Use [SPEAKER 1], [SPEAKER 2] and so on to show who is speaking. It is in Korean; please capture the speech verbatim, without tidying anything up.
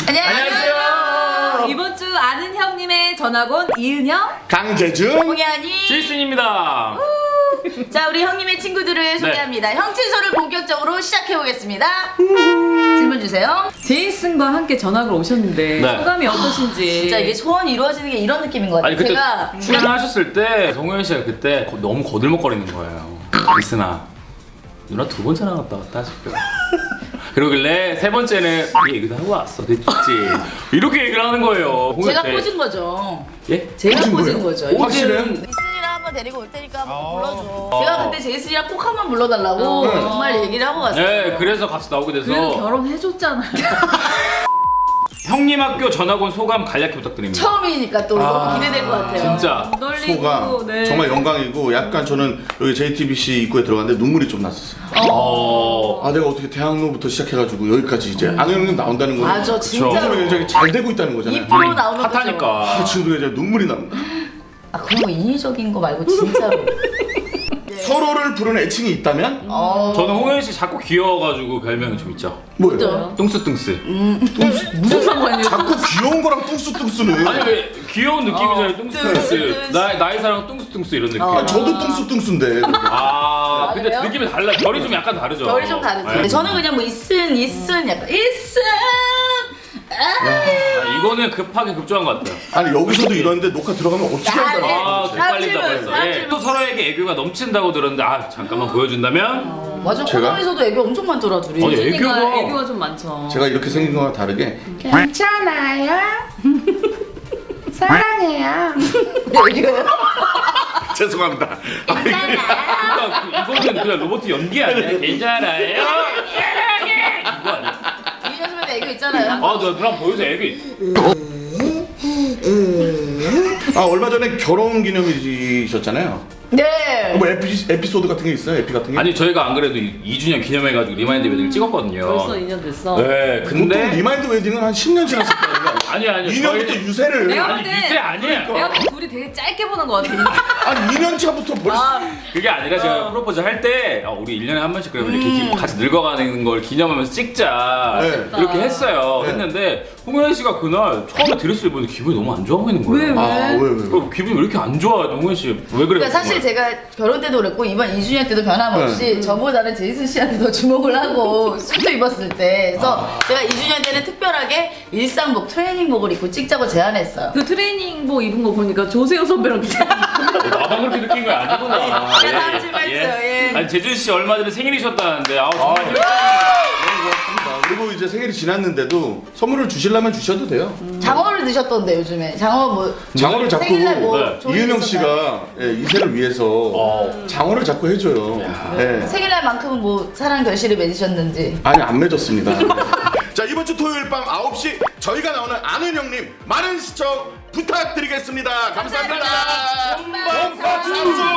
[SPEAKER 1] 안녕하세요.
[SPEAKER 2] 이번 주 아는 형님의 전학온 이은영,
[SPEAKER 1] 강재준,
[SPEAKER 3] 홍현이.
[SPEAKER 4] 제이슨입니다.
[SPEAKER 3] 자, 우리 형님의 친구들을 소개합니다. 형친소를 본격적으로 시작해보겠습니다. 질문 주세요.
[SPEAKER 2] 제이슨과 함께 전학을 오셨는데
[SPEAKER 4] 네.
[SPEAKER 2] 소감이 어떠신지.
[SPEAKER 3] 진짜 이게 소원이 이루어지는 게 이런 느낌인 것 같아요.
[SPEAKER 4] 아니 그때
[SPEAKER 3] 제가
[SPEAKER 4] 출연을 하셨을 때 정우현 씨가 그때 거- 너무 거들먹거리는 거예요. 이슨아, 누나 두 번째 나갔다 왔다 싶어. 그러길래 세 번째는 이 얘기도 하고 왔어, 됐지? 이렇게 얘기를 하는 거예요. 홍현
[SPEAKER 3] 제가
[SPEAKER 4] 씨.
[SPEAKER 3] 꽂은 거죠.
[SPEAKER 4] 예?
[SPEAKER 3] 제가
[SPEAKER 1] 꽂은
[SPEAKER 3] 꽂은
[SPEAKER 1] 거예요?
[SPEAKER 3] 거죠.
[SPEAKER 1] 확실해요?
[SPEAKER 3] 이슨이랑 한번 데리고 올 테니까 한번
[SPEAKER 1] 아.
[SPEAKER 3] 불러줘.
[SPEAKER 4] 아.
[SPEAKER 3] 제가 그때 제이슨이랑 꼭 한번 불러달라고
[SPEAKER 2] 어.
[SPEAKER 3] 정말 얘기를 하고 갔어요.
[SPEAKER 4] 네, 그래서 같이 나오게 돼서
[SPEAKER 2] 그래도 결혼해줬잖아요.
[SPEAKER 4] 형님 학교 전학 온 소감 간략히 부탁드립니다.
[SPEAKER 3] 처음이니까 또
[SPEAKER 1] 아,
[SPEAKER 3] 너무 기대될 것 같아요.
[SPEAKER 4] 진짜.
[SPEAKER 2] 떨리고,
[SPEAKER 1] 소감
[SPEAKER 2] 네.
[SPEAKER 1] 정말 영광이고 약간 저는 여기 제이티비씨 입구에 들어갔는데 눈물이 좀 났었어요.
[SPEAKER 4] 어.
[SPEAKER 1] 아 내가 어떻게 대학로부터 시작해가지고 여기까지 이제 아는 형님 나온다는 거는
[SPEAKER 3] 맞아, 진짜로.
[SPEAKER 1] 요즘에 굉장히 잘 되고 있다는 거잖아요.
[SPEAKER 3] 이 프로 나오는 거죠.
[SPEAKER 4] 핫하니까.
[SPEAKER 1] 아, 지금도 이제 눈물이 납니다.
[SPEAKER 3] 아, 그런 거 인위적인 거 말고 진짜로.
[SPEAKER 1] 서로를 부르는 애칭이 있다면
[SPEAKER 3] 어.
[SPEAKER 4] 저는 홍현 씨 자꾸 귀여워가지고 별명이 좀 있죠.
[SPEAKER 1] 뭐예요?
[SPEAKER 3] 그죠?
[SPEAKER 4] 뚱스뚱스.
[SPEAKER 2] 무슨 상관이에요?
[SPEAKER 1] 자꾸 귀여운 거랑 뚱수뚱수는.
[SPEAKER 4] 아니 왜 귀여운 느낌이잖아요.
[SPEAKER 3] 어,
[SPEAKER 4] 뚱스뚱스.
[SPEAKER 3] 뚱스뚱스.
[SPEAKER 4] 나 나이 사랑 뚱스뚱스 이런 느낌.
[SPEAKER 3] 어.
[SPEAKER 1] 아, 저도 뚱수뚱수인데.
[SPEAKER 4] 아,
[SPEAKER 3] 아,
[SPEAKER 4] 근데
[SPEAKER 3] 그래요?
[SPEAKER 4] 느낌이 달라. 결이 좀 약간 다르죠.
[SPEAKER 3] 결이 좀 다르죠.
[SPEAKER 4] 네.
[SPEAKER 3] 저는 그냥 뭐 이슨 이슨 약간 이슨.
[SPEAKER 4] 아, 이거는 급하게 급조한 것 같아요.
[SPEAKER 1] 아니 여기서도 이러는데 녹화 들어가면 어떻게
[SPEAKER 3] 아,
[SPEAKER 1] 한다는
[SPEAKER 3] 네.
[SPEAKER 1] 거야?
[SPEAKER 4] 아,
[SPEAKER 3] 다음
[SPEAKER 4] 헷갈린다고
[SPEAKER 3] 질문,
[SPEAKER 4] 했어.
[SPEAKER 3] 다음
[SPEAKER 4] 예.
[SPEAKER 3] 질문.
[SPEAKER 4] 또 서로에게 애교가 넘친다고 들었는데 아 잠깐만 보여준다면
[SPEAKER 3] 맞아,
[SPEAKER 1] 제가?
[SPEAKER 3] 코너에서도 애교 엄청 많더라 둘이.
[SPEAKER 4] 아니, 애교가-
[SPEAKER 2] 애교가, 애교가 좀 많죠.
[SPEAKER 1] 제가 이렇게 생긴 거와 다르게
[SPEAKER 5] 괜찮아요. 사랑해요.
[SPEAKER 3] 애교요?
[SPEAKER 1] 죄송합니다.
[SPEAKER 4] 그러니까 이거는 그냥 로봇 연기 아니야? 괜찮아요? 이거 아니야?
[SPEAKER 3] 이윤여 선배도 애교 있잖아요.
[SPEAKER 4] 아, 너 그럼 보여줘 애교.
[SPEAKER 1] 아 얼마 전에 결혼 기념일이셨잖아요.
[SPEAKER 3] 네.
[SPEAKER 1] 뭐 에피, 에피소드 같은 게 있어요? 에피 같은 게?
[SPEAKER 4] 아니 저희가 안 그래도 이 주년 기념해가지고 리마인드 웨딩을 찍었거든요.
[SPEAKER 2] 벌써 이 년 됐어.
[SPEAKER 4] 네,
[SPEAKER 1] 보통
[SPEAKER 4] 근데
[SPEAKER 1] 리마인드 웨딩은 한 십 년 지났을 거 아니야?
[SPEAKER 4] 아니 아니
[SPEAKER 1] 이 년부터
[SPEAKER 4] 저희-
[SPEAKER 1] 유세를
[SPEAKER 2] 내가
[SPEAKER 4] 아니
[SPEAKER 2] 근데-
[SPEAKER 4] 유세 아니야.
[SPEAKER 2] 내가 볼 때 둘이 되게 짧게 보는 것 같아.
[SPEAKER 1] 아니 이 년 차부터 벌써
[SPEAKER 4] 그게 아니라 제가 프로포즈 할 때 어, 우리 일 년에 한 번씩 그러면 이렇게 기- 같이 늙어가는 걸 기념하면서 찍자
[SPEAKER 1] 네.
[SPEAKER 4] 이렇게 했어요.
[SPEAKER 1] 네.
[SPEAKER 4] 했는데 홍현 씨가 그날 처음에 드레스를 입었는데 기분이 너무 안 좋아 보이는 거예요.
[SPEAKER 2] 왜,
[SPEAKER 1] 아 왜 왜?
[SPEAKER 4] 어, 기분이 왜 이렇게 안 좋아? 홍현 씨 왜 그래요?
[SPEAKER 3] 그러니까 사실 제가 결혼 때도 그랬고 이번 이 주년 때도 변함없이 저보다는 제이슨 씨한테 더 주목을 하고 수트 입었을 때 그래서 제가 이 주년 때는 특별하게 일상복 트레이닝복을 입고 찍자고 제안했어요.
[SPEAKER 2] 그 트레이닝복 입은 거 보니까 조세호 선배랑 비슷해.
[SPEAKER 4] 나만 그렇게 느낀 거 아니구나.
[SPEAKER 3] 예, 다음 질문 있어요, 예.
[SPEAKER 4] 아니 재준 씨 얼마 전에 생일이셨다는데 아우 정말
[SPEAKER 1] 아, 너무 고맙습니다. 그리고 이제 생일이 지났는데도 선물을 주시려면 주셔도 돼요.
[SPEAKER 3] 장어를 드셨던데 요즘에 장어 뭐
[SPEAKER 1] 장어를 자꾸
[SPEAKER 3] 생일날 뭐
[SPEAKER 4] 네.
[SPEAKER 3] 좋은 일
[SPEAKER 1] 이은영
[SPEAKER 3] 있었나요?
[SPEAKER 1] 씨가 예, 이세를 위해서
[SPEAKER 4] 어.
[SPEAKER 1] 장어를 자꾸 해줘요. 예.
[SPEAKER 3] 생일날만큼은 뭐 사랑 결실을 맺으셨는지.
[SPEAKER 1] 아니 안 맺었습니다. 자 이번 주 토요일 밤 아홉 시 저희가 나오는 아는 형님 많은 시청 부탁드리겠습니다. 감사합니다.
[SPEAKER 3] 감사합니다.
[SPEAKER 1] 본방 사수.